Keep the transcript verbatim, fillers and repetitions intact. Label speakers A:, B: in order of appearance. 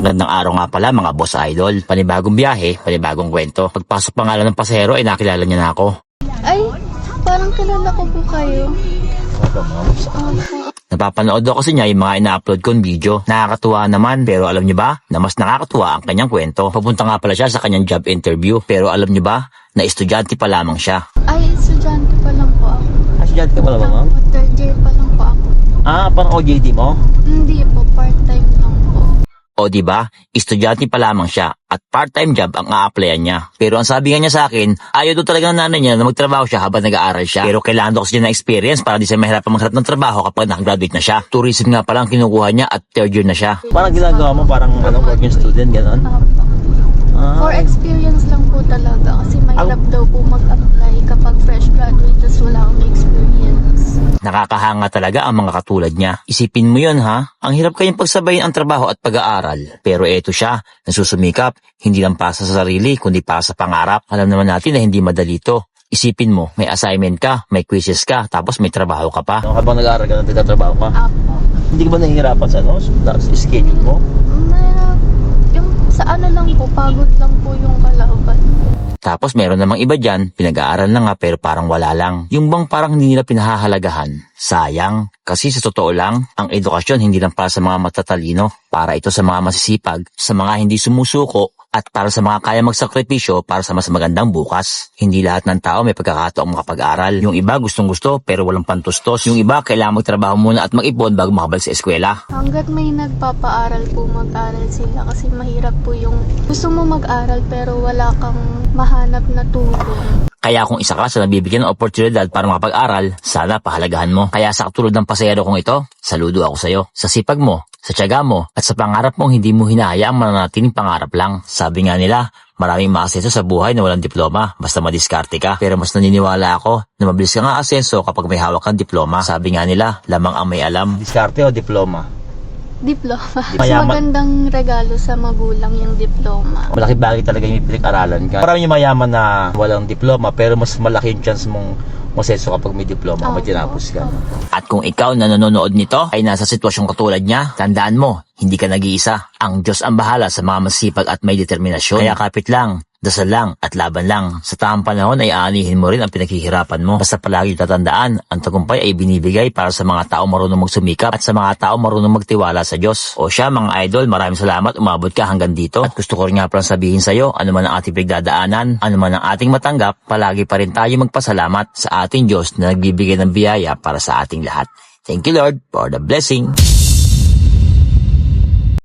A: Magandang araw nga pala mga boss idol. Panibagong biyahe, panibagong kwento. Pagpasok pa nga lang ng pasahero ay nakilala niya na ako.
B: Ay, parang kilala ko po kayo.
A: Napapanood daw kasi niya yung mga ina-upload kong video. Nakakatuwa naman, pero alam niyo ba na mas nakakatuwa ang kanyang kwento. Papunta nga pala siya sa kanyang job interview, pero alam niyo ba na estudyante pa lamang siya.
B: Ay, estudyante pa lang po ako.
A: Ah, estudyante ka pala ba, ma'am?
B: Third year pa lang po ako.
A: Ah, parang O J T mo?
B: Hindi po, part-time lang po.
A: O di ba? Estudyante pa lamang siya at part-time job ang a-applyan niya. Pero ang sabi nga niya sa akin, ayaw daw talaga ng nanay niya na magtrabaho siya habang nag-aaral siya. Pero kailangan daw kasi niya ng experience para di siya mahirapan maghanap ng trabaho kapag nakagraduate na siya. Tourism nga pala ang kinukuha niya at third year na siya. Parang ginagawa mo parang ano, working student, gano'n?
B: Apo.
A: Ah.
B: For experience lang po talaga kasi mahirap daw po mag-apply kapag fresh graduate tas wala akong experience.
A: Nakakahanga talaga ang mga katulad niya. Isipin mo yun ha, ang hirap kayong pagsabayin ang trabaho at pag-aaral. Pero eto siya, nasusumikap, hindi lang para sa sarili, kundi para sa pangarap. Alam naman natin na hindi madali to. Isipin mo, may assignment ka, may quizzes ka, tapos may trabaho ka pa. No, habang nag-aaral ka, nagtatrabaho ka?
B: Apo.
A: Hindi ka ba nahihirapan sa, no, sa schedule mo?
B: Na, yung sa ano lang po, pagod lang po yung kalaban.
A: Tapos meron namang iba dyan, pinag-aaral na nga pero parang wala lang. Yung bang parang hindi nila pinahahalagahan. Sayang, kasi sa totoo lang, ang edukasyon hindi lang para sa mga matatalino. Para ito sa mga masisipag, sa mga hindi sumusuko, at para sa mga kaya magsakripisyo para sa mas magandang bukas. Hindi lahat ng tao may pagkakataong makapag-aral. Yung iba gustong-gusto pero walang pantustos. Yung iba kailangan magtrabaho muna at mag-ipon bago makabalik sa eskwela.
B: Hanggat may nagpapaaral po, mag-aral sila kasi mahirap po yung gusto mo mag-aral pero wala kang mahanap na tulong.
A: Kaya kung isa ka sa nabibigyan ng oportunidad para makapag-aral, sana pahalagahan mo. Kaya sa katulad ng pasahero kong ito, saludo ako sa iyo. Sa sipag mo, sa tiyaga mo, at sa pangarap mong hindi mo hinahayaang mananatiling pangarap lang. Sabi nga nila, maraming maasenso sa buhay na walang diploma, basta madiskarte ka. Pero mas naniniwala ako na mabilis ka nga asenso kapag may hawak kang diploma. Sabi nga nila, lamang ang may alam. Diskarte o diploma?
B: Diploma. Mas
A: Mayaman.
B: magandang regalo sa magulang yung diploma.
A: Malaki bagay talaga yung pinag-aralan ka. Marami yung mayaman na walang diploma pero mas malaki yung chance mong masenso kapag may diploma, may tinapos ka. At kung ikaw na nanonood nito ay nasa sitwasyong katulad niya, tandaan mo, hindi ka nag-iisa. Ang Diyos ang bahala sa mga masipag at may determinasyon. Kaya kapit lang, dasal lang at laban lang. Sa tamang panahon ay aanihin mo rin ang pinaghihirapan mo. Basta palagi tatandaan, ang tagumpay ay binibigay para sa mga tao marunong magsumikap at sa mga tao marunong magtiwala sa Diyos. O siya mga idol, maraming salamat, umabot ka hanggang dito. At gusto ko rin nga palang sabihin sa iyo, ano man ang ating pagdadaanan, ano man ang ating matanggap, palagi pa rin tayo magpasalamat sa ating Diyos na nagbibigay ng biyaya para sa ating lahat. Thank you Lord for the blessing.